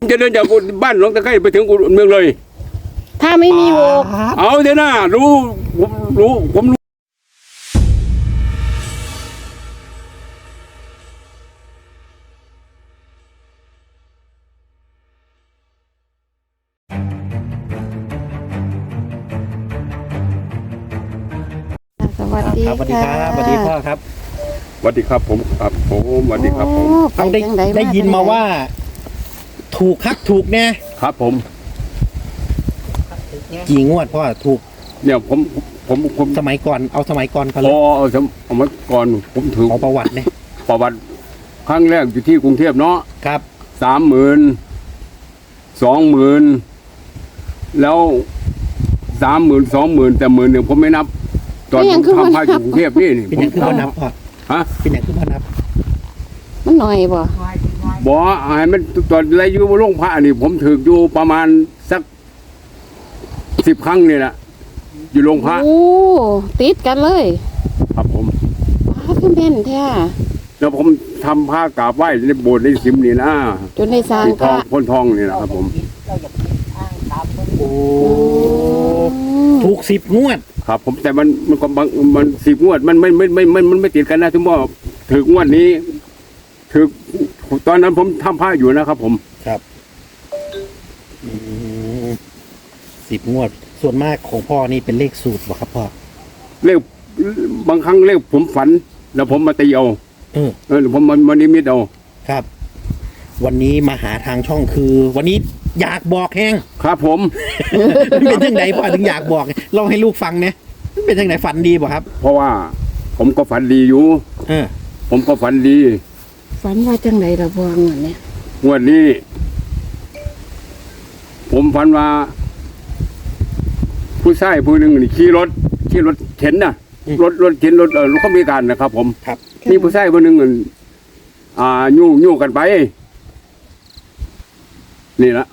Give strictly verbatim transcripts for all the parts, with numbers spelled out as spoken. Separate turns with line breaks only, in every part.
จะเดินจากบ้านหนองตะไคร้ไปถึงอุดรเมืองเลย
ถ้าไม่มีหก
เอาเถอะนะรู้ผมรู้ผมรู้
สวัสดี
ครับสวัสดีครับสวัสดีพ่อครับ
สวัสดีครับผมครับผมสวัสดีครับผม
เอาได้ได้ยินมาว่า ถูกคักถูกแน่
ครับผม
กี่งวดพ่อถูก
เนี่ยผมผมผม
สมัยก่อนเอาสมัยก่อนก่อน
เลยอ๋อสมัยก่อนผมถือ
เอาประวัติเนี่ย
ประวัติครั้งแรกอยู่ที่กรุงเทพเนาะ
ครับ
สามหมื่นสองหมื่นแล้วสามหมื่นสองหมื่นแต่หมื่นหนึ่งผมไม่นับตอนผมทำพายกรุงเทพนี่
เป็นอย่างคือพ่อนับพ่อ
ฮะ
เป็นอย่างคือพ่อนับ
มันหน่อยบ่
บ่ไอ้มันตอนไรอยู่โรงพระนี่ผมถืออยู่ประมาณสักสิบครั้งนี่แหละอยู่โรงพระ
โอ้ติดกันเลย
ครับผม
พระขึ้นเป็นแท้
แล้วผมทำผ้ากราบไหว้ในโบสถ์ในสิมนี่นะ
จนในสร้าง
ทองพ้นทองนี่แหละครับผม
โอ้ถูกสิบงวด
ครับผมแต่มันมันก็บางมันสิบงวดมันไม่ไม่ไม่ไม่มันไม่ติดกันนะถึงว่าถืองวดนี้ถือตอนนั้นผมทำผ้าอยู่นะครับผม
ครับสิบงวดส่วนมากของพ่อนี่เป็นเลขสูตรบ่ครับพ่อ
เลขบางครั้งเลขผมฝันแล้วผมมาตีเอา
เออ
เออผมมันมันนิมิตเอา
ครับวันนี้มาหาทางช่องคือ วันนี้อยากบอกแห้ง
ครับผม
เป็นยังไงพ่อถึงอยากบอกลองให้ลูกฟังเนี่ยเป็นยังไงฝันดีป่ะครับ
เพราะว่าผมก็ฝันดีอยู่
เออ
ผมก็ฝันดี
ฝันว่าจังไหนล่ะพ่องวดเนี้ย
งวดนี้ผมฝันว่าผู้ชายผู้หนึ่งขี่รถขี่รถเข็นน่ะรถรถเข็นรถเออรถเขามีการนะครับผม
ครับ
มีผู้ชายผู้หนึ่งอ่ายู่ยู่กันไปนี่ละ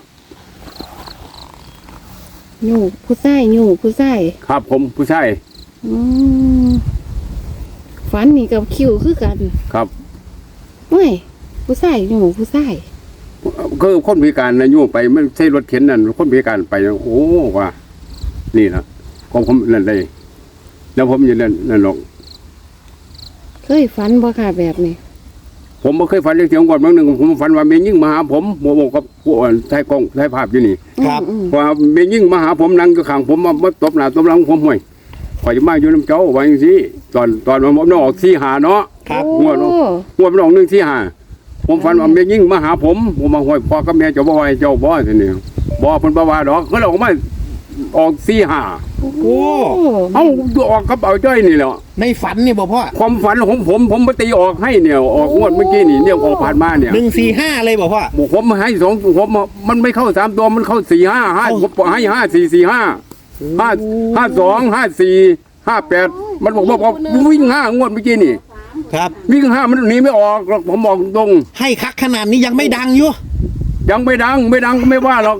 ยู่ผู้ชายยู่ผู้ชาย
ครับผมผู้ชาย
อืมฝันนี่กับคิวคือกัน
ครับ
เฮ้ยผู้ชายยู่ผู้ชาย
ก็คนพิการนะยู่ไปไม่ใช่รถเข็นนั่นคนพิการไปโอ้ว่านี่นะของผมนั่นเลยแล้วผมอยังนั่นนั่นหรอก
เคยฝันบ่ค่ะแบบนี้
ผมไม่เคยฝันเรื่องเสียงก่อนบางหนึ่งผมฝันว่าเมย์ยิ่งมาหาผมโมโมกับผู้อ่อนใช้กล้องใช้ภาพอยู่นี่
ครับ
ว่าเมย์ยิ่งมาหาผมนั่งอยู่ข้างผมมามาตบหน้าตบหลังผมห่วยข่อยจะมาอยู่น้ำเจ้าไว้อย่างนี้ตอนตอนผมน้องออกสี่หาเนาะ
ครับ
หัวน้องหัวน้องหนึ่งสี่หาผมฝันว่าเมย์ยิ่งมาหาผมผมมาห่วยพ่อกับแม่เจ้าบ่อยเจ้าบ่อยทีนี้บ่เพิ่นบ่ว่าดอกเขาเราออกมาออกสี่หา
โอ้
เอาออกกระเป๋าจ้อยนี่แหละ
ในฝันเนี่ยบอกพ่อ
ความฝันของผมผมไปตีออกให้เนี่ยออกงวดเมื่อกี้นี่เนี่ยออกผ่านมาเนี่ย
หนึ่งสี่ห้าเลยบอกพ่อ
ผมให้สองผมมันไม่เข้าสามตัวมันเข้าสี่ห้าห้าผมให้ห้าสี่สี่ห้าห้าห้าสองห้าสี่ห้าแปดมันบอกว่าวิ่งห้างวดเมื่อกี้นี่
ครับ
วิ่งห้ามันหนีไม่ออกผมบอกตรง
ให้คักขนาดนี้ยังไม่ดังอยู่
ยังไม่ดังไม่ดังก็ไม่ว่าหรอก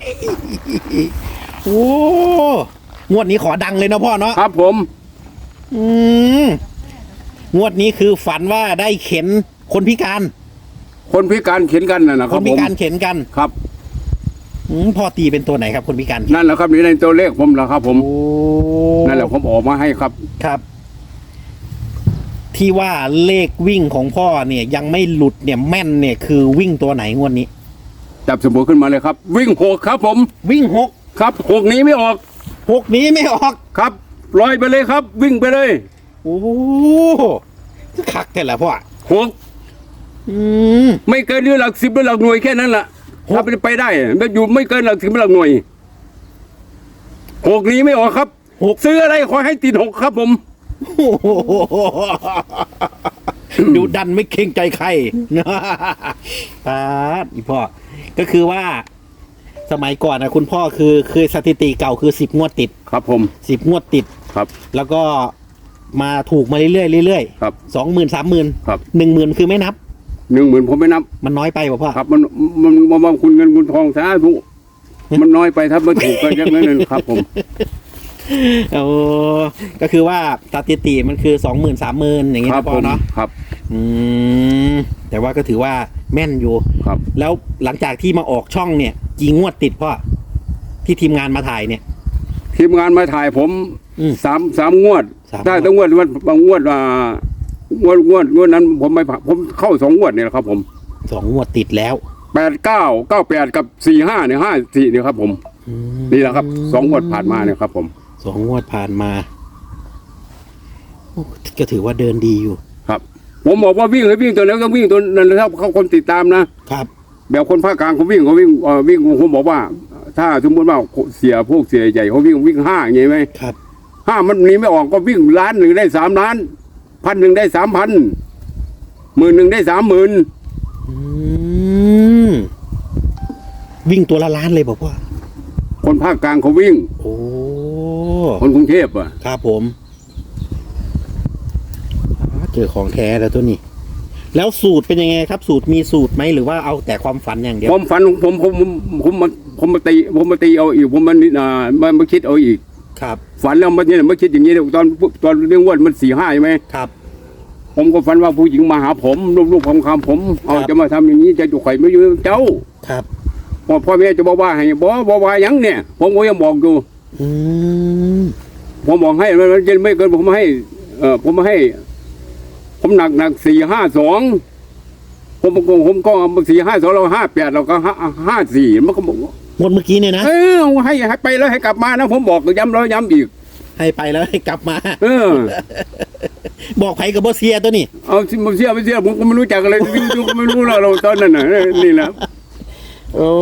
โอ้งวดนี้ขอดังเลยนะพ่อเนาะ
ครับผม
อืมงวดนี้คือฝันว่าได้เข็นคนพิการ
คนพิการเข็นกันน่ะนะค
รับคนพิการเข็นกัน
ครับ
อืมพ่อตีเป็นตัวไหนครับคนพิการ
นั่นแหละครับนี่ในตัวเลขผมแหละครับผมนั่นแหละผมออกมาให้ครับ
ครับที่ว่าเลขวิ่งของพ่อเนี่ยยังไม่หลุดเนี่ยแม่นเนี่ยคือวิ่งตัวไหนงวดนี้
จับสมบูรณ์ขึ้นมาเลยครับวิ่งหกครับผม
วิ่งหก
ครับหกนี้ไม่ออก
หกนี้ไม่ออก
ครับลอยไปเลยครับวิ่งไปเลย
โอ้คักแต่ละพ่อ
หก
อืม
ไม่เกินหรือหลักสิบหรือหลักหน่วยแค่นั้นแหละถ้าไปได้ไม่อยู่ไม่เกินหลักสิบหรือหลักหน่วยหกนี้ไม่ออกครับหกซื้ออะไรขอให้ติดหกครับผม
ดูดันไม่เกรงใจใครตาอีพ่อก็คือว่าสมัยก่อนนะคุณพ่อคือคือสถิติเก่าคือสิบงวดติด
ครับผม
สิบงวดติด
ครับ
แล้วก็มาถูกมาเรื่อยๆเรื่อย
ๆครับ
สองหมื่นสามหมื่น
ครับ
หนึ่งหมื่นคือไม่นับ
หนึ่งหมื่นผมไม่นับ
มันน้อยไปป่ะพ่อ
ครับมันมันมันมันคุณเงินคุณทองสาธุมันน้อยไปถ้าไม่ถูกก็ยังนั้นครับผม
โอ้ก็คือว่าสถิติมันคือสองหมื่นสามหมื่นอย่างเงี้ยพ่อเนาะ
ครับ
อืมแต่ว่าก็ถือว่าแม่นอยู่
ครับ
แล้วหลังจากที่มาออกช่องเนี่ยกี่งวดติดพ่อที่ทีมงานมาถ่ายเนี่ย
ทีมงานมาถ่ายผม
อืม
สามสามงวด
สาม
ได้
งวด
ตั้งงวดวันบางงวดอ่างวดงวดงวดนั้นผมไม่ผ่านผมเข้าสองงวดเนี่ยแหละครับ ผม
สองงวดติดแล้ว
แปดเก้าเก้าแปดกับสี่ห้าเนี่ยห้าสี่เนี่ยครับผม
อืม
นี่แหละครับสองงวดผ่านมาเนี่ยครับ ผม
สองงวดผ่านมาโอ้ก็ถือว่าเดินดีอยู่
ครับ ผมบอกว่าวิ่งให้วิ่งตัวนั้นต้องวิ่งตัวนั้นนะครับเขาคนติดตามนะครับ แบบคนภาคกลางเขาวิ่งเขาวิ่งเอ่อวิ่งผมบอกว่า ถ้าสมมติว่าเสียพวกเสียใหญ่เขาวิ่งวิ่งห้าอย่างงี้ไหม
ครับ
ห้ามันหนี้ไม่ออกก็วิ่งล้านหนึ่งได้สามล้านพันหนึ่งได้สามพันหมื่นหนึ่งได้สามหมื่น
อืมวิ่งตัวละล้านเลยบอกว่า
คนภาคกลางเขาวิ่ง
โอ้
คนกรุงเทพอ่ะ
ครับผมอ่าเจอของแท้แล้วตัวนี้ แล้วสูตรเป็นยังไงครับ สูตรมีสูตรไหมหรือว่าเอาแต่ความฝันอย่างเดียว
ผมฝันของผมผมผมผมมาผมมาตีผมมาตีเอาอีกผมมันอ่ามามาคิดเอาอีก
ครับ
ฝันแล้วมันเนี่ยมาคิดอย่างนี้เนี่ยตอนตอนเรื่องว่ามันสี่ห้าใช่ไหม
ครับ
ผมก็ฝันว่าผู้หญิงมาหาผมลูกๆของคำผมเอา
ครับ
จะมาทำอย่างนี้จะจุกไข่ไม่อยู่เจ้า
ครับ
พ่อพ่อแม่จะบอกว่าให้บอกบอกว่าหยังเนี่ย ผมก็ยังบอกอยู่
อืม
ผมบอกให้มันจะไม่เกินผมให้ เออผมให้ ผมหนักหนักสี่ห้าสองผมก็ผมก็สี่ห้าสองเราห้าแปดเราก็ห้าห้าสี่มันก็บอก
หมดเมื่อกี้เนี่ยนะ
เออให้ให้ไปแล้วให้กลับมานะผมบอกย้ำแล้วย้ำอีก
ให้ไปแล้วให้กลับมา
เออ
บอกไผกับบอเซียตัวนี้
เอาสิมาเชื่อไม่เชื่อผมก็ไม่รู้จักอะไรวิ่งก็ไม่รู้เราเราตอนนั้นน่ะนี่แหละ
โอ้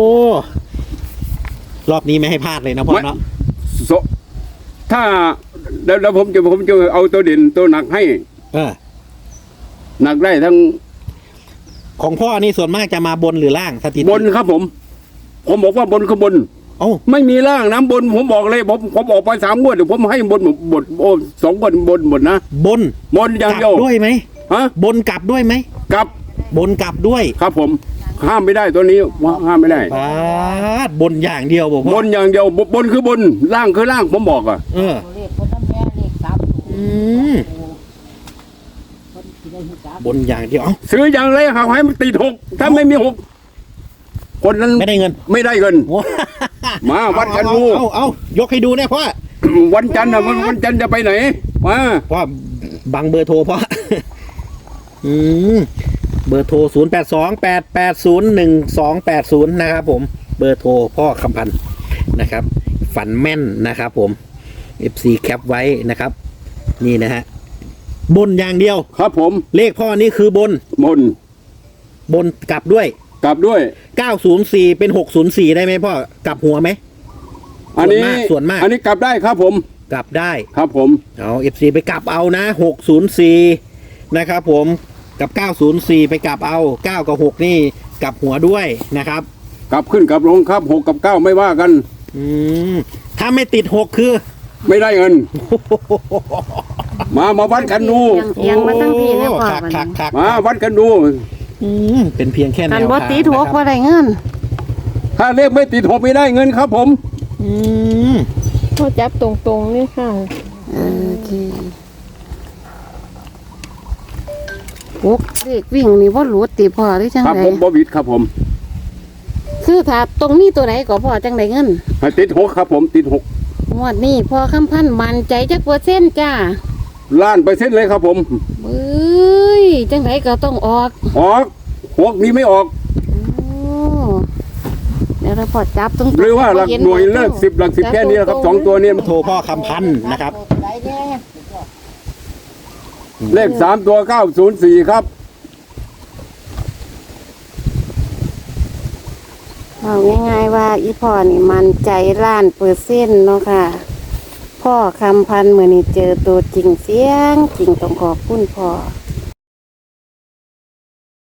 รอบนี้ไม่ให้พลาดเลยนะพ่อเนาะ
โซถ้าแล้วแล้วผมจะผมจะเอาตัวเด่นตัวหนักให้
เออ
หนักได้ทั้ง
ของพ่อนี่ส่วนมากจะมาบนหรือล่างสถิติ
บนครับผม ผมบอกว่าบนคือบน
โอ้า
ไม่มีล่างน้ำบน ผมบอกเลยผมผมออกไปสามงวดเดี๋ยวผมให้บนหมดบนโอ้สองบนบนหมดนะ
บน
บนอย่าง
กลั
เดียว
ด้วยไหม
ฮะ
บนกลับด้วยไหม
กลับบ
นกลับด้วย
ครับผม ห้ามไม่ได้ตัวนี้ห้ามไม่ได้
ปาดบนอย่างเดียวบอก
บ
พ่อน
อย่างเดียวบบนคือบนล่างคือล่างผมบอกอ่ะ
เออ
เลขคนน้ำแม่เลขสามตัว
อืม
คนที่ได้หิจัก
บนอย่างเดียวเอ้า
ซื้ออย่างไรหาให้มันติดหกถ้าไม่มีหกคนนั้น
ไม่ได้เงิน
ไม่ได้เงิน
โอ้
มาวัดกันดู
เอาเอาเอายกให้ดูเนี่ยพ่อ
วันจันทร์นะวันวันจันทร์จะไปไหนมา
พ่อบังเบอร์โทรพ่อ อืมเบอร์โทรศูนย์แปดสองแปดแปดศูนย์หนึ่งสองแปดศูนย์นะครับผมเบอร์โทรพ่อคำพันธ์นะครับ ฝันแม่นนะครับผม เอฟ ซี แคปไว้นะครับ นี่นะฮะบนอย่างเดียว
ครับผม
เลขพ่อนี่คือบน
บน
บนกลับด้วย
กลับด้วย
เก้าศูนย์สี่เป็นหกศูนย์สี่ได้ไหมพ่อกลับหัวไหม
อันนี้
ส่วนมาก
อันนี้กลับได้ครับผม
กลับได้
ครับผม
เอา เอฟ ซี ไปกลับเอานะหกศูนย์สี่นะครับผมกับเก้าศูนย์สี่ไปกลับเอาเก้ากับหกนี่กลับหัวด้วยนะครับ
กลับขึ้นกลับลงครับหกกับเก้าไม่ว่ากัน
อืมถ้าไม่ติดหกคือ
ไม่ได้เงิน มามาวัดกันดู
เอียงมาตั้งพี่นะพ่อ
คัก
บัด
คัก
นี้
คัก
มาวัดกันดู
อืมเป็นเพียงแค่แนว
คั
ทาน ง
บ่ตีถูก
นะค
บ่
รับ
ได้เงิน
ถ้าเลขไม่ติดหกไม่ได้เงินครับผม
อืม
พ่อจับตรงๆนี่ค่ะ
เออโอเคหกเลขวิ่งนี่บ่หลุดติพ่อหรือจัง
ครับ
ได
ผมบวิดครับผม
คือถ้าตรงนี้ตัวไหนก็พ่อจังไดเงิน
ให้ติดหกครับผมติดหก
งวดนี้พ่อคำพันธ์มั่นใจจักเปอร์เซ็นต์จ้า
ล้านเปอร์เซ็นต์เลยครับผม
เอ้ยจังไดก็ต้องออก
ออกหกนี้ไม่ออก
โอ้เดี๋ยวเราพอจับตรงๆ
หรือว่าหลักหน่วยเลิกสิบหลักสิบแค่นี้นะครับสองตัวนี้
โทรพ่อคำพันธ์นะครับ
ไหนเนี่ย
เลขสามตัวเก้าศูนย์สี่ครับ
เอาง่ายๆว่าอีพ่อนี่มันใจล้านเปอร์เซ็นต์เนาะค่ะ พ่อคำพันธ์เมื่อนี้เจอตัวจริงเสียงจริงต้องขอบคุณพ่อ